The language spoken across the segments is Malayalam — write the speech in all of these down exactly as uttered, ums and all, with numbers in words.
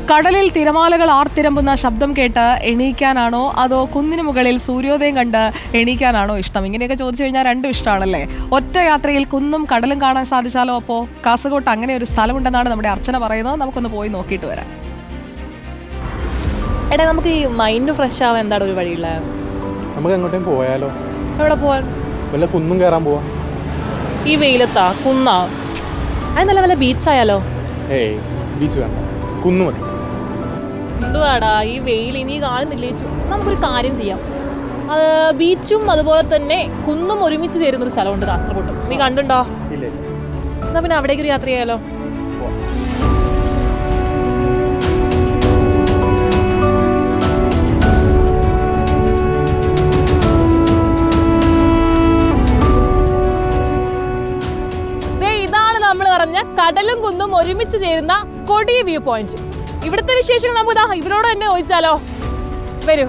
കടലിൽ തിരമാലകൾ ആർത്തിരമ്പുന്ന ശബ്ദം കേട്ട് എണീക്കാനാണോ അതോ കുന്നിന് മുകളിൽ സൂര്യോദയം കണ്ട് എണീക്കാനാണോ ഇഷ്ടം? ഇങ്ങനെയൊക്കെ ചോദിച്ചു കഴിഞ്ഞാൽ രണ്ടും ഇഷ്ടമാണല്ലേ. ഒറ്റ യാത്രയിൽ കുന്നും കടലും കാണാൻ സാധിച്ചാലോ? അപ്പോൾ കാസർഗോട്ട് അങ്ങനെ ഒരു സ്ഥലമുണ്ടെന്നാണ് നമ്മുടെ അർച്ചന പറയുന്നത്. നമുക്കൊന്ന് പോയി നോക്കിയിട്ട് വരാം. എടാ, നമുക്ക് ഈ മൈൻഡ് ഫ്രഷ് ആവാൻ എന്താണ് ഒരു വഴിയുള്ള? നമുക്ക് എങ്ങോട്ടും പോയാലോ? എവിടെ പോവാൻ? വല്ല കുന്നും കയറാൻ പോവാ. ഈ വെയിലത്താ കുന്നാ? അത് നല്ല നല്ല ബീച്ച് ആയാലോ? ഏയ് ബീച്ച് വേണ്ട, കുന്നു മതി. എന്തുവാടാ ഈ വെയിൽ ഇനി കാണുന്നില്ലേ? നമുക്കൊരു കാര്യം ചെയ്യാം. അത് ബീച്ചും അതുപോലെ തന്നെ കുന്നും ഒരുമിച്ച് ചേരുന്ന ഒരു സ്ഥലമുണ്ട് കാസർഗോട്ട്. നീ കണ്ടുണ്ടോ? ഇല്ല. എന്നാ പിന്നെ അവിടേക്ക് ഒരു യാത്ര ചെയ്യാലോ? കടലും കുന്നും ഒരുമിച്ച് ചേരുന്ന കൊടി വ്യൂ പോയിന്റ്. ഇവിടുത്തെ വിശേഷങ്ങൾ നമുക്ക് ഇവരോട് തന്നെ ചോദിച്ചാലോ? വരൂ.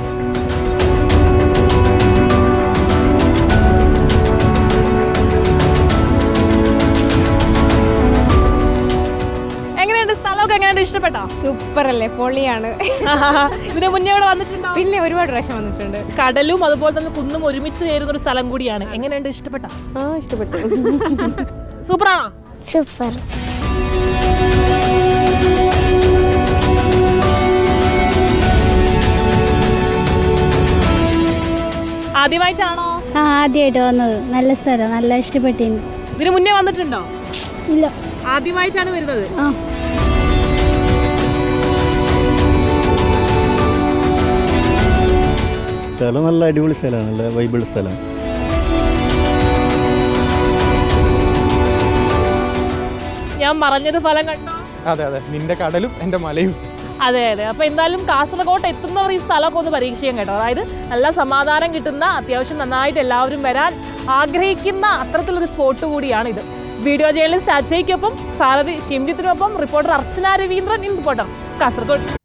എങ്ങനെയുണ്ട് സ്ഥലമൊക്കെ? എങ്ങനെയുണ്ട്? ഇഷ്ടപ്പെട്ടോ? സൂപ്പർ അല്ലേ, പൊളിയാണ്. ഇതിന് മുന്നേ ഇവിടെ വന്നിട്ടുണ്ടോ? പിന്നെ ഒരുപാട് പ്രാവശ്യം വന്നിട്ടുണ്ട്. കടലും അതുപോലെ തന്നെ കുന്നും ഒരുമിച്ച് ചേരുന്ന ഒരു സ്ഥലം കൂടിയാണ്. എങ്ങനെയുണ്ട്? ഇഷ്ടപ്പെട്ടോ? ആ, ഇഷ്ടപ്പെട്ടു. സൂപ്പറാണോ? സൂപ്പർ. ആദ്യമായിട്ടാണോ? ആ, ആദ്യമായിട്ട് വന്നത്. നല്ല സ്ഥലം, നല്ല ഇഷ്ടപ്പെട്ടിരുന്നു. ഇതിന് മുന്നേ വന്നിട്ടുണ്ടോ? ഇല്ല, ആദ്യമായിട്ടാണ് വരുന്നത്. ആ, സ്ഥലം നല്ല അടിപൊളി സ്ഥലമാണ്, നല്ല വൈബിൾ സ്ഥലം. ഞാൻ പറഞ്ഞത് ഫലം കണ്ടോ? അതെ അതെ, നിന്റെ കടലും എന്റെ മലയും. അതെ അതെ. അപ്പൊ എന്തായാലും കാസർഗോട്ട് എത്തുന്നവർ ഈ സ്ഥലമൊക്കെ ഒന്ന് പരീക്ഷിക്കാൻ കേട്ടോ. അതായത് നല്ല സമാധാനം കിട്ടുന്ന, അത്യാവശ്യം നന്നായിട്ട് എല്ലാവരും വരാൻ ആഗ്രഹിക്കുന്ന അത്തരത്തിലൊരു സ്പോട്ട് കൂടിയാണ് ഇത്. വീഡിയോ ജേർണലിസ്റ്റ് അജയ്ക്കൊപ്പം സാരഥി ഷിംജിത്തിനൊപ്പം reporter Archana Raveendran in reporter Kasaragod.